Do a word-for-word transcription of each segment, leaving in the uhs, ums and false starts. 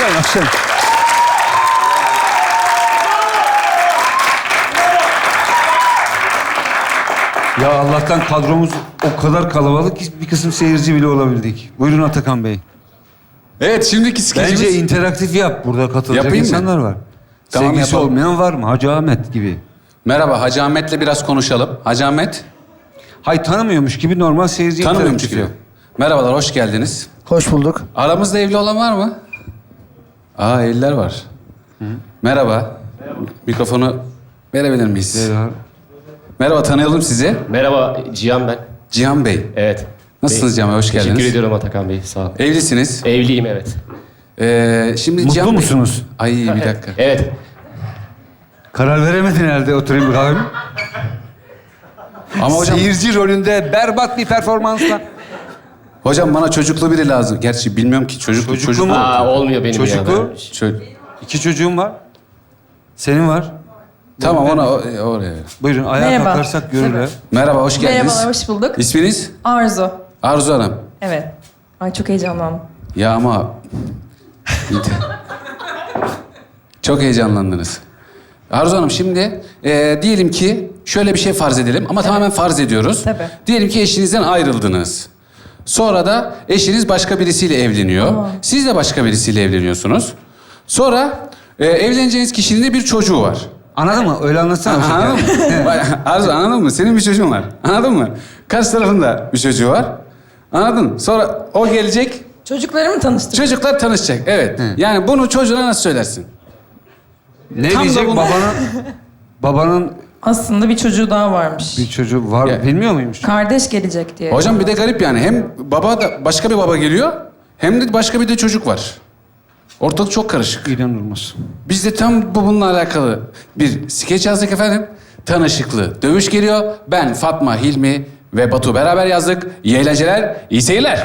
alkışlayın, alkışlayın. Ya Allah'tan kadromuz o kadar kalabalık ki bir kısım seyirci bile olabildik. Buyurun Atakan Bey. Evet, şimdiki skecimiz... Bence interaktif yap. Burada katılacak Yapayım mı? insanlar var. Tamam, Sevgisi yapalım. olmayan var mı? Hacı Ahmet gibi. Merhaba, Hacı Ahmet'le biraz konuşalım. Hacı Ahmet, Hay tanımıyormuş gibi normal seyirci tanımıyormuş interaktif gibi. yap. Merhabalar, hoş geldiniz. Hoş bulduk. Aramızda evli olan var mı? Aa, evliler var. Hı. Merhaba. Merhaba. Mikrofonu verebilir miyiz? Merhaba. Merhaba, tanıyalım sizi. Merhaba, Cihan ben. Cihan Bey. Evet. Nasılsınız Cihan Bey? Hoş geldiniz. Teşekkür ediyorum Atakan Bey, sağ olun. Evlisiniz. Evliyim, evet. Ee, şimdi Mutlu Cihan Bey- musunuz? Ay, bir dakika. Evet. Karar veremedin herhalde. Oturayım bir kahve. Ama hocam, Seyirci rolünde berbat bir performansla. hocam bana çocuklu biri lazım. Gerçi bilmiyorum ki çocuklu Çocuklu çocuk mu? Aa, olmuyor benim Çocuklu. ya. Çö- İki çocuğum var. Senin var. Tamam, ona o- oraya. Buyurun ayağa Merhaba. kalkarsak görürler. Merhaba, hoş geldiniz. Merhabalar, hoş bulduk. İsminiz? Arzu. Arzu Hanım. Evet. Ay çok heyecanlandım. Ya ama... Çok heyecanlandınız. Arzu Hanım, şimdi e, diyelim ki şöyle bir şey farz edelim ama tamamen farz ediyoruz. Tabii. Diyelim ki eşinizden ayrıldınız. Sonra da eşiniz başka birisiyle evleniyor. Aa. Siz de başka birisiyle evleniyorsunuz. Sonra e, evleneceğiniz kişinin de bir çocuğu var. Anladın mı? Öyle anlatsana. Anladın mı? Bak, Arzu, anladın mı? Senin bir çocuğun var. Anladın mı? Karşı tarafında bir çocuğu var. Anladın mı? Sonra o gelecek, Çocuklarımı tanıştır. çocuklar tanışacak. Evet. Hı. Yani bunu çocuğuna nasıl söylersin? Ne Tam da diyecek bunu- babanın? Babanın Aslında bir çocuğu daha varmış. bir çocuğu var. Ya- Bilmiyor muymuş? Kardeş gelecek diye. Hocam bir de garip yani. Hem baba da başka bir baba geliyor, hem de başka bir de çocuk var. Ortalık çok karışık. İnanılmaz. Biz de tam bu bununla alakalı bir skeç yazdık efendim. Tanışıklı dövüş geliyor. Ben, Fatma, Hilmi ve Batu beraber yazdık. İyi eğlenceler, iyi seyirler.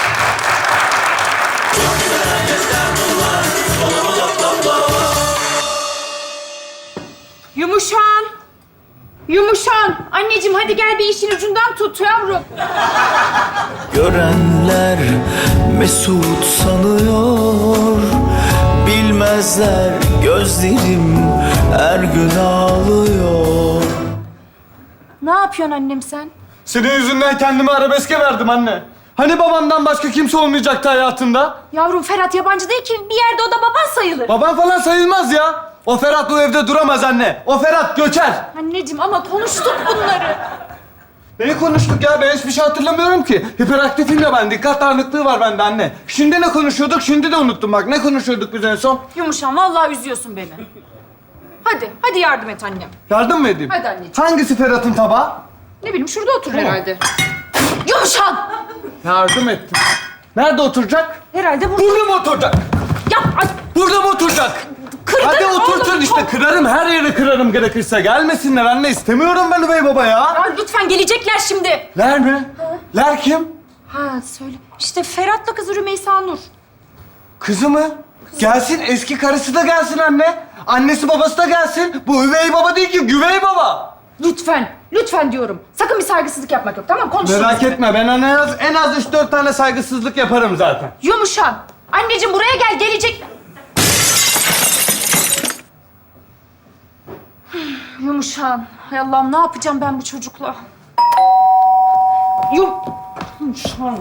Yumuşan. Yumuşan. Anneciğim hadi gel bir işin ucundan tut yavrum. Görenler mesut sanıyor. Bilmezler gözlerim her gün ağlıyor. Ne yapıyorsun annem sen? Senin yüzünden kendimi arabeske verdim anne. Hani babandan başka kimse olmayacaktı hayatında? Yavrum Ferhat yabancı değil ki. Bir yerde o da baban sayılır. Baban falan sayılmaz ya. O Ferhat bu evde duramaz anne. O Ferhat göçer. Anneciğim ama konuştuk bunları. Neyi konuştuk ya? Ben hiçbir şey hatırlamıyorum ki. Hiperaktifim ya ben. Dikkat dağınıklığı var bende anne. Şimdi ne konuşuyorduk? Şimdi de unuttum bak. Ne konuşuyorduk biz en son? Yumuşan vallahi üzüyorsun beni. Hadi, hadi yardım et annem. Yardım mı edeyim? Hadi anneciğim. Hangisi Ferhat'ın tabağı? Ne bileyim şurada otur herhalde. Yumuşan! Yardım ettim. Nerede oturacak? Herhalde burada. Burada mı oturacak? Yap! Ay, Burada mı oturacak? kırdın Hadi oğlum, oturtun işte. çok- Kırarım, her yeri kırarım gerekirse. Gelmesinler anne. İstemiyorum ben üvey baba ya. Ya lütfen gelecekler şimdi. Ler mi? Ler kim? Ha söyle. İşte Ferhat'la kızı Rümeysa Nur. Kızı mı? Gelsin, eski karısı da gelsin anne. Annesi babası da gelsin. Bu üvey baba değil ki, güvey baba. Lütfen, lütfen diyorum. Sakın bir saygısızlık yapmak yok, tamam mı? Konuşuruz. Merak etme, ben en az, en az üç dört tane saygısızlık yaparım zaten. Yumuşan. Anneciğim buraya gel, gelecek. Yumuşan. Hay Allah'ım ne yapacağım ben bu çocukla? Yum... Yumuşan.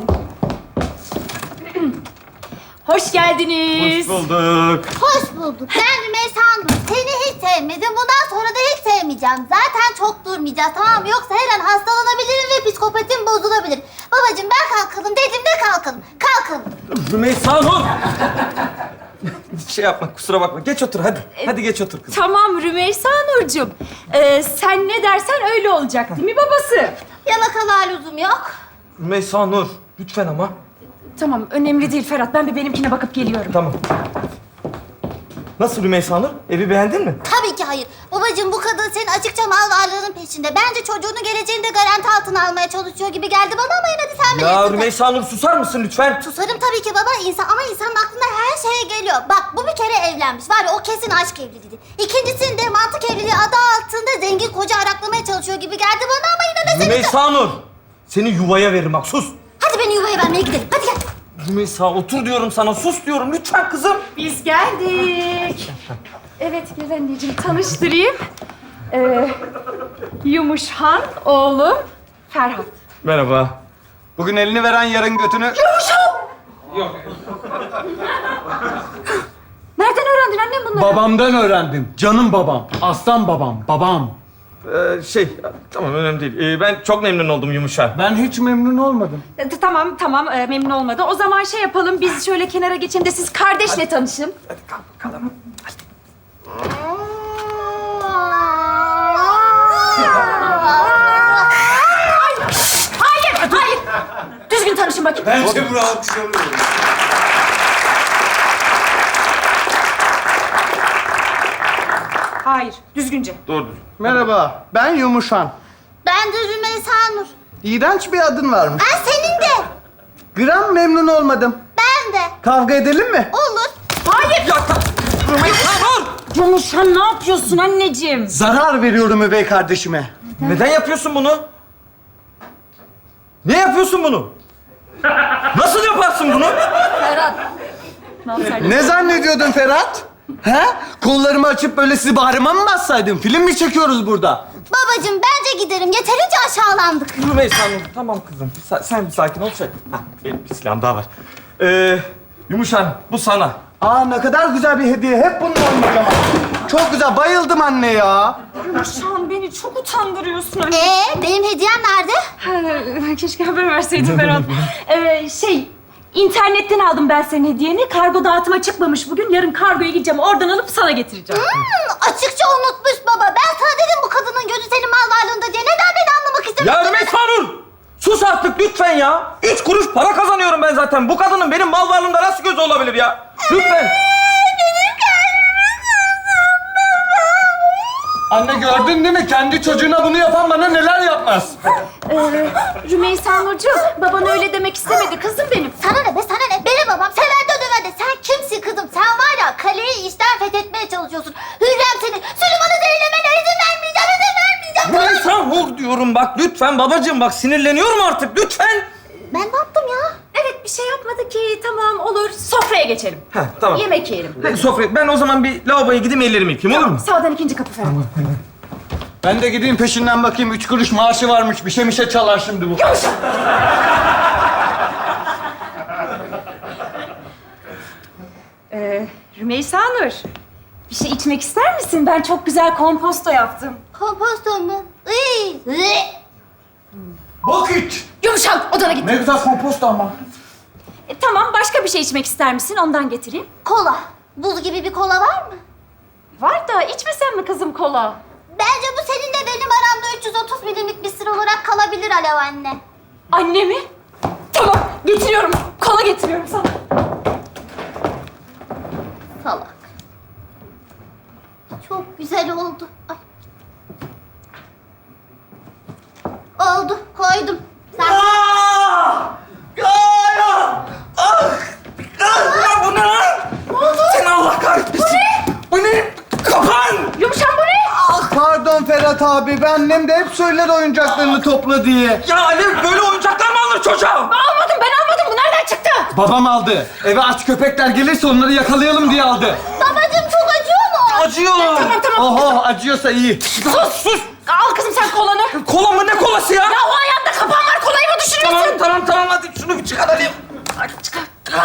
Hoş geldiniz. bulduk. Hoş bulduk. Ben Rümeysa Nur. Seni hiç sevmedim. Bundan sonra da hiç sevmeyeceğim. Zaten çok durmayacağız, tamam mı? Yoksa her an hastalanabilirim ve psikopatim bozulabilir. Babacığım ben kalkalım dedim de kalkalım. Kalkalım. Rümeysa Nur. Şey yapma, kusura bakma. Geç otur hadi. Hadi geç otur kızım. Tamam Rümeysa Nurcuğum. Ee, sen ne dersen öyle olacak değil mi babası? Yalakalığa lüzum yok. Rümeysa Nur, lütfen ama. Tamam önemli değil Ferhat. Ben bir benimkine bakıp geliyorum. Tamam. Nasıl Rümeysa Nur? Evi beğendin mi? Tabii ki hayır. Babacığım bu kadın senin açıkça mal varlığının peşinde. Bence çocuğunun geleceğini de garanti altına almaya çalışıyor gibi geldi bana ama yine de sen bilirsin. Ya Rümeysa Nur susar mısın lütfen? Susarım tabii ki baba insan ama insanın aklına her şey geliyor. Bak bu bir kere evlenmiş. Var ya o kesin aşk evliliği. İkincisinde mantık evliliği adı altında zengin koca araklamaya çalışıyor gibi geldi bana ama yine de seni... Rümeysa Nur, seni yuvaya veririm bak sus. Hadi beni yuvaya vermeye gidelim. Hadi gel. Rümeysa otur diyorum sana, sus diyorum. Lütfen kızım. Biz geldik. Evet gel anneciğim tanıştırayım. Ee, Yumuşhan oğlum Ferhat. Merhaba. Bugün elini veren yarın götünü... Nereden öğrendin annem bunları? Babamdan öğrendim. Canım babam. Aslan babam. Babam. Ee, şey, tamam önemli değil. Ee, ben çok memnun oldum Yumuşan. Ben hiç memnun olmadım. E, t- Tamam tamam e, memnun olmadı. O zaman şey yapalım biz şöyle kenara geçelim de siz kardeşle tanışın. Hayır hayır. Düzgün tanışın bakayım. Bence bunu alkışlamıyorum. Hayır düzgünce. Doğrudur. Merhaba. Ben Yumuşan. Ben de Rümeysa Nur. İğrenç bir adın varmış. Ben senin de. Gram memnun olmadım. Ben de. Kavga edelim mi? Olur. Hayır. Yumuşan ne yapıyorsun anneciğim? Zarar veriyorum üvey kardeşime. Neden yapıyorsun bunu? Ne yapıyorsun bunu? Nasıl yaparsın bunu? Ferhat. Ne yapsaydın? Ne zannediyordun Ferhat? He? Kollarımı açıp böyle sizi bağrıma mı bassaydım? Film mi çekiyoruz burada? Babacığım bence giderim. Yeterince aşağılandık. Rümeysa Hanım, tamam kızım. Bir sa- sen bir sakin ol. Şey. Hah, benim bir silahım daha var. Ee, Yumuşan, bu sana. Aa ne kadar güzel bir hediye. Hep bunun olmak ama. Çok güzel. Bayıldım anne ya. Yumuşan beni çok utandırıyorsun anne. Ee, benim hediyem nerede? Keşke haber verseydin Ferhat. ee, şey, internetten aldım ben senin hediyeni. Kargo dağıtıma çıkmamış bugün. Yarın kargoya gideceğim. Oradan alıp sana getireceğim. Hmm, açıkça unutmuş baba. Ben sana dedim bu kadının gözü senin mal varlığında diye. Neden beni anlamak istemedin? Ya Rümeysa Nur! Sus artık lütfen ya. Üç kuruş para kazanıyorum ben zaten. Bu kadının benim mal varlığımda nasıl gözü olabilir ya? Lütfen. Anne gördün değil mi? Kendi çocuğuna bunu yapan bana neler yapmaz. Ee, Rümeysa Nurcuğum, baban öyle demek istemedi kızım benim. Sana ne be sana ne? Benim babam sever de döver de. Sen kimsin kızım? Sen var ya kaleyi işten fethetmeye çalışıyorsun. Hürrem seni. Süleyman'ı zehirlemene izin vermeyeceğim, izin vermeyeceğim. Rümeysa Nur diyorum bak lütfen babacığım bak sinirleniyorum artık lütfen. Ben ne yaptım ya? Evet, bir şey yapmadı ki. Tamam, olur. Sofraya geçelim. Heh, tamam. Yemek yiyelim. Hadi sofraya. Ben o zaman bir lavaboya gideyim ellerimi yıkayayım olur mu? Sağdan ikinci kapı Ferhat. Ben de gideyim peşinden bakayım. Üç kuruş maaşı varmış. Bir şey bir şey çalar şimdi bu. Ee, Rümeysa Nur, bir şey içmek ister misin? Ben çok güzel komposto yaptım. Komposto mu? Iy, iy. Bak iç. Yumuşak, odana git. Ne güzel kompost ama. E, tamam, başka bir şey içmek ister misin? Ondan getireyim. Kola. Buz gibi bir kola var mı? Var da içmesen mi kızım kola? Bence bu seninle benim aramda üç yüz otuz milimlik bir sır olarak kalabilir Alev anne. Anne mi? Tamam, getiriyorum. Kola getiriyorum sana. Salak. Çok güzel oldu. Ay. Oldu, koydum. Sen... Aa! Ya ya! Ah! Ah! Bu ne lan? Ne oldu? Seni Allah kahretmesin. Bu ne? Bu ne? Kapan! Yumuşak bu ne? Ah pardon Ferhat abi. Ben annem de hep söyler oyuncaklarını topla diye. Ya Alev böyle oyuncaklar mı alır çocuğa? Almadım, ben almadım. Bu nereden çıktı? Babam aldı. Eve aç köpekler gelirse onları yakalayalım diye aldı. Babacığım çok acıyor mu? Acıyor. Tamam, tamam. Oho acıyorsa iyi. Sus, sus. Al kızım sen kolanı. Kola mı ne kolası ya? Ya o ayağında kapan var, kolayı mı düşürüyorsun? Tamam tamam tamam hadi şunu bir çıkaralım. Hadi çıkar.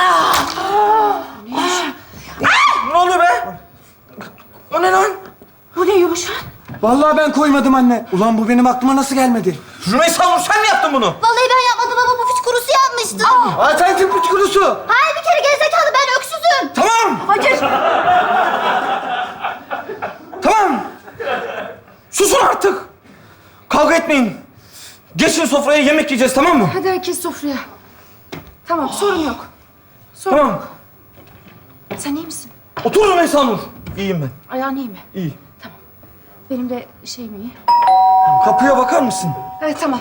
Ne oluyor be? O ne lan? Bu ne Yumuşak? Vallahi ben koymadım anne. Ulan bu benim aklıma nasıl gelmedi? Rümeysa Nur sen mi yaptın bunu? Vallahi ben yapmadım baba, bu piç kurusu yapmıştı. Aa sen tüpüç kurusu. Hayır bir kere gerizekalı, ben öksüzüm. Tamam. Hayır. Tamam. Susun artık. Kavga etmeyin. Geçin sofraya yemek yiyeceğiz tamam mı? Hadi herkes sofraya. Tamam, sorun yok. Sorun Tamam. yok. Sen iyi misin? Otur Rümeysa Nur. İyiyim ben. Ayağın iyi mi? İyi. Benim de şeyim iyi. Kapıya bakar mısın? Evet, tamam.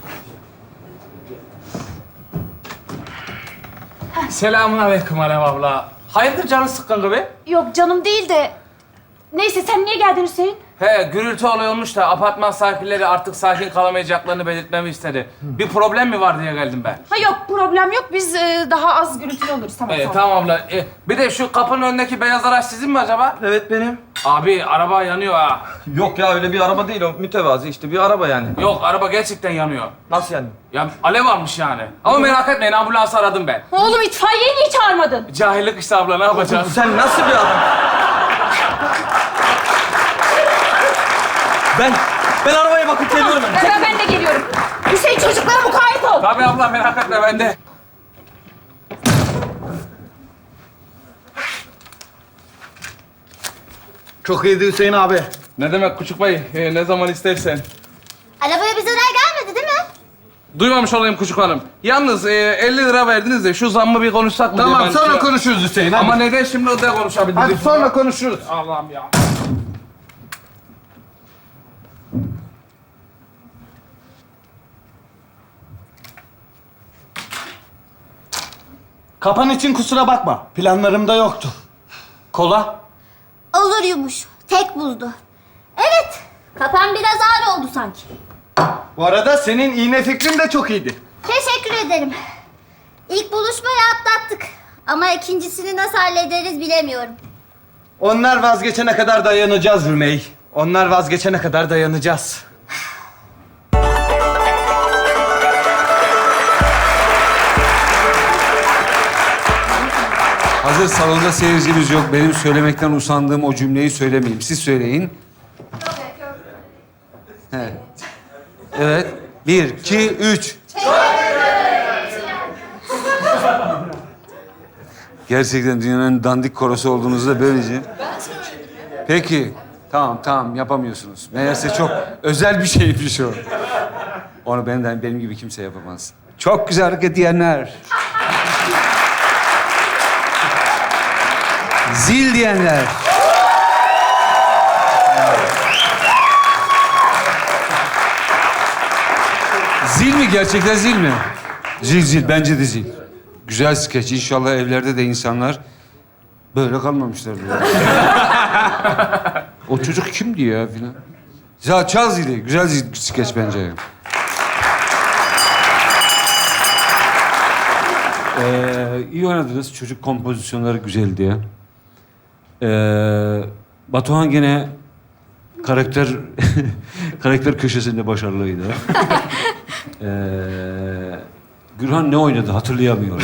Selamun aleyküm Alev abla. Hayırdır canın sıkkın gibi? Yok canım değil de... Neyse sen niye geldin Hüseyin? He, gürültü olayı olmuş da apartman sakinleri artık sakin kalamayacaklarını belirtmemi istedi. Bir problem mi var diye geldim ben. Ha yok problem yok. Biz e, daha az gürültülü oluruz. Tamam Ee, tamam. tamam abla. Ee, bir de şu kapının önündeki beyaz araç sizin mi acaba? Evet benim. Abi araba yanıyor ha. Yok ya öyle bir araba değil o. Mütevazi işte bir araba yani. Yok araba gerçekten yanıyor. Nasıl yani? Ya alev almış yani. Ama merak etmeyin ambulansı aradım ben. Oğlum itfaiyeyi niye çağırmadın? Cahillik işte abla ne yapacağız? Sen nasıl bir adam? Ben, ben arabaya bakıp geliyorum ben. Ben, ben de geliyorum. Hüseyin çocuklara mukayyet ol. Tabii abla merak etme ben de. Çok iyiydi Hüseyin abi. Ne demek küçük bey? Ee, ne zaman istersen. Arabaya bir zarar gelmedi değil mi? Duymamış olayım küçük hanım. Yalnız e, elli lira verdiniz de şu zammı bir konuşsak mı diye Tamam ben sonra şey- konuşuruz Hüseyin hadi. Ama neden şimdi o da konuşabiliriz? Hadi sonra konuşuruz. Allah'ım ya. Kapan için kusura bakma. Planlarımda yoktu. Kola? Olur Yumuş. Tek buzdu. Evet. Kapan biraz ağır oldu sanki. Bu arada senin iğne fikrin de çok iyiydi. Teşekkür ederim. İlk buluşmayı atlattık. Ama ikincisini nasıl hallederiz bilemiyorum. Onlar vazgeçene kadar dayanacağız Rümey. Onlar vazgeçene kadar dayanacağız. Hazır salonda seyircimiz yok. Benim söylemekten usandığım o cümleyi söylemeyeyim. Siz söyleyin. Evet. Evet. Bir, iki, üç. Gerçekten dünyanın en dandik korosu olduğunuzu da böylece. Peki. Tamam, tamam. Yapamıyorsunuz. Meğerse çok özel bir şeymiş o. Onu benden, benim gibi kimse yapamaz. Çok güzel hareket diyenler. Zil diyenler. Zil mi? Gerçekten zil mi? Zil zil. Bence de zil. Güzel skeç. İnşallah evlerde de insanlar böyle kalmamışlardır. O çocuk kimdi ya filan? Ya çal zili. Güzel zil skeç bence. Ee, iyi oynadınız. Çocuk kompozisyonları güzeldi ya. Ee, Batuhan gene karakter karakter köşesinde başarılıydı. ee, Gürhan ne oynadı hatırlayamıyorum.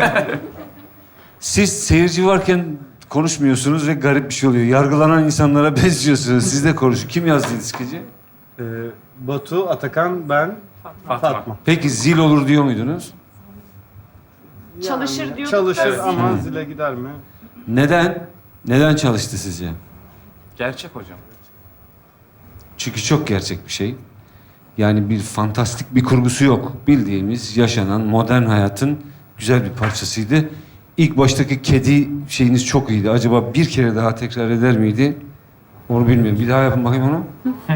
Siz seyirci varken konuşmuyorsunuz ve garip bir şey oluyor. Yargılanan insanlara benziyorsunuz. Siz de konuşun. Kim yazdı skeci? Ee, Batu, Atakan, ben, Fatma. Fatma. Peki zil olur diyor muydunuz? Çalışır diyorduk Çalışır da- ama zile gider mi? Neden? Neden çalıştı sizce? Gerçek hocam. Çünkü çok gerçek bir şey. Yani bir fantastik bir kurgusu yok. Bildiğimiz yaşanan modern hayatın güzel bir parçasıydı. İlk baştaki kedi şeyiniz çok iyiydi. Acaba bir kere daha tekrar eder miydi? Onu bilmiyorum. Bir daha yapın bakayım onu.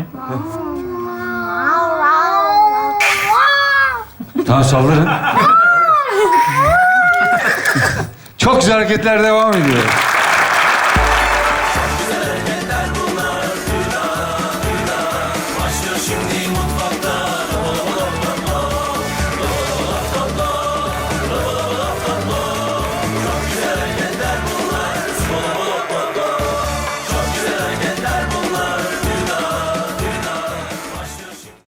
Tamam saldırın. Çok güzel hareketler devam ediyor.